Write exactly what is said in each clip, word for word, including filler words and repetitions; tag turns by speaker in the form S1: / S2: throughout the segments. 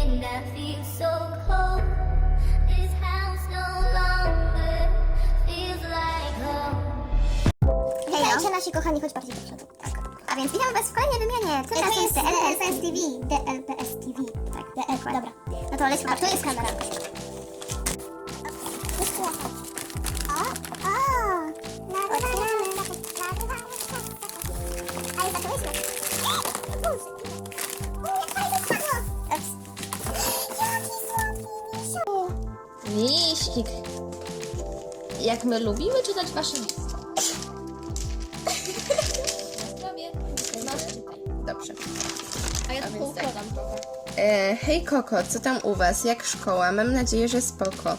S1: and I feel so cold. This house no longer feels like home.
S2: Hejcie nasi kochani, chodź bardziej do przodu. Tak. A więc witamy was w kolejnej wymianie. Tym razem jest D L P S T V. D L P S T V. Tak, D L P. Dobra. No to lecimy. A tu jest kamera. O, o, nagrywamy. Nagrywamy. Ale zaczęłyśmy. Jak fajnie spadło. Ups. Jaki słodki misiu.
S3: Liścik. Jak my lubimy czytać wasze listy. Masz czytaj.
S4: Dobrze.
S3: A ja
S4: A
S3: tylko
S4: więc tak.
S3: układam trochę.
S4: E, hej Koko, co tam u was? Jak szkoła? Mam nadzieję, że spoko.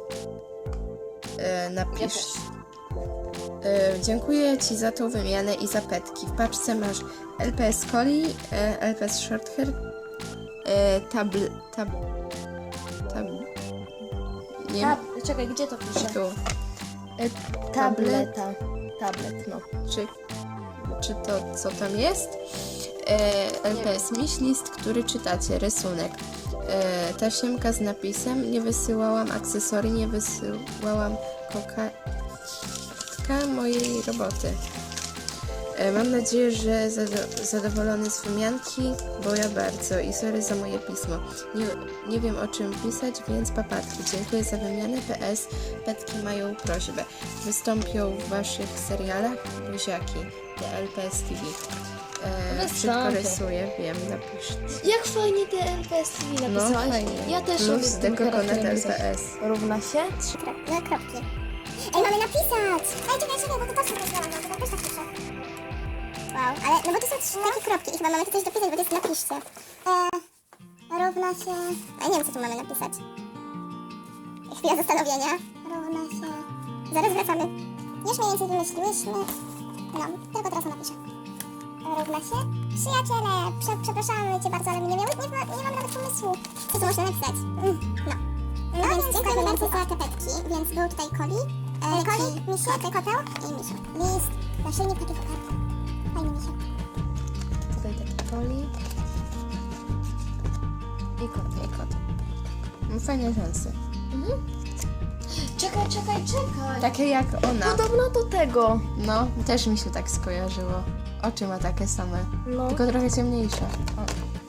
S4: E, napisz.
S3: Ja też.
S4: E, dziękuję ci za tą wymianę i za petki. W paczce masz L P S Coli, e, L P S Shorthair, e, tabl... tab... tab... Nie
S3: Tab czekaj, gdzie to pisze?
S4: tu.
S3: E, tableta. Tablet, no.
S4: Czy, czy to co tam jest? E, L P S Myślist, który czytacie, rysunek. E, tasiemka z napisem, nie wysyłałam akcesorii, nie wysyłałam kokatka mojej roboty. E, mam nadzieję, że zado- zadowolony z wymianki, bo ja bardzo i sorry za moje pismo. Nie, nie wiem o czym pisać, więc papatki. Dziękuję za wymianę. P S. Petki mają prośbę. Wystąpią w waszych serialach buziaki. D L P S T V. E, brzydko
S3: Wystąpią.
S4: rysuję, wiem, napiszcie.
S3: Jak fajnie D L P S T V
S4: No
S3: napisałaś.
S4: fajnie.
S3: Ja też
S4: Plus
S3: lubię z tym
S4: dekokonat
S3: charakterem
S4: L P
S3: pisać.
S4: S.
S3: Równa się?
S2: No kropki. Ej, mamy napisać! Ej, czekaj, czekaj, bo to też rozdziałam, no to też tak pisze. Wow, ale, no bo to są trzy takie kropki i chyba mamy tu coś dopisać, bo to jest napiszcie. Eee, równa się... A nie wiem, co tu mamy napisać. Chwila zastanowienia. Równa się... Zaraz wracamy. Już mniej więcej wymyśliłyśmy. No, tylko teraz to napiszę. Równa się... Przyjaciele, prze, przepraszamy cię bardzo, ale nie, miały, nie, ma, nie mam nawet pomysłu. Co tu można napisać? Mm, no. No, więc dziękujemy bardzo za te petki, więc był tutaj Coli, e, Coli, misiek, koteł i misiek. List, naszyjnik, taki kokardka. Fajny misiek.
S3: Tutaj taki poli. I kot.
S4: I kot. No, fajne rzęsy.
S3: Mhm. Czekaj, czekaj, czekaj.
S4: Takie jak ona.
S3: Podobno do tego.
S4: No, też mi się tak skojarzyło. Oczy ma takie same.
S3: No.
S4: Tylko trochę ciemniejsze. O.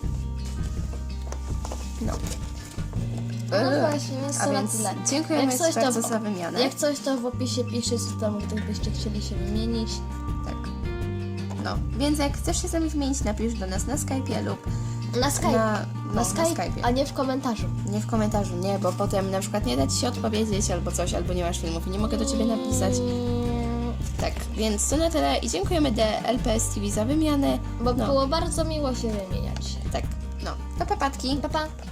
S4: No.
S3: No
S4: Eee,
S3: właśnie, więc
S4: A
S3: to na
S4: więc
S3: tyle.
S4: dziękujemy
S3: Jak coś, to,
S4: bardzo za wymianę.
S3: jak coś, to w opisie pisze, co tam gdybyście chcieli się wymienić.
S4: Tak. No, więc jak chcesz się z nami wymienić, napisz do nas na Skype'ie lub
S3: Na Skype.
S4: na, no,
S3: na,
S4: na
S3: Skype,
S4: Skype'ie.
S3: a nie w komentarzu.
S4: Nie w komentarzu, nie, bo potem na przykład nie da ci się odpowiedzieć albo coś, albo nie masz filmów i nie mogę do ciebie napisać.
S3: Mm,
S4: Tak, więc to na tyle i dziękujemy D L P S T V za wymianę.
S3: Bo
S4: no,
S3: było bardzo miło się wymieniać.
S4: tak, no, to papatki.
S3: Pa, pa.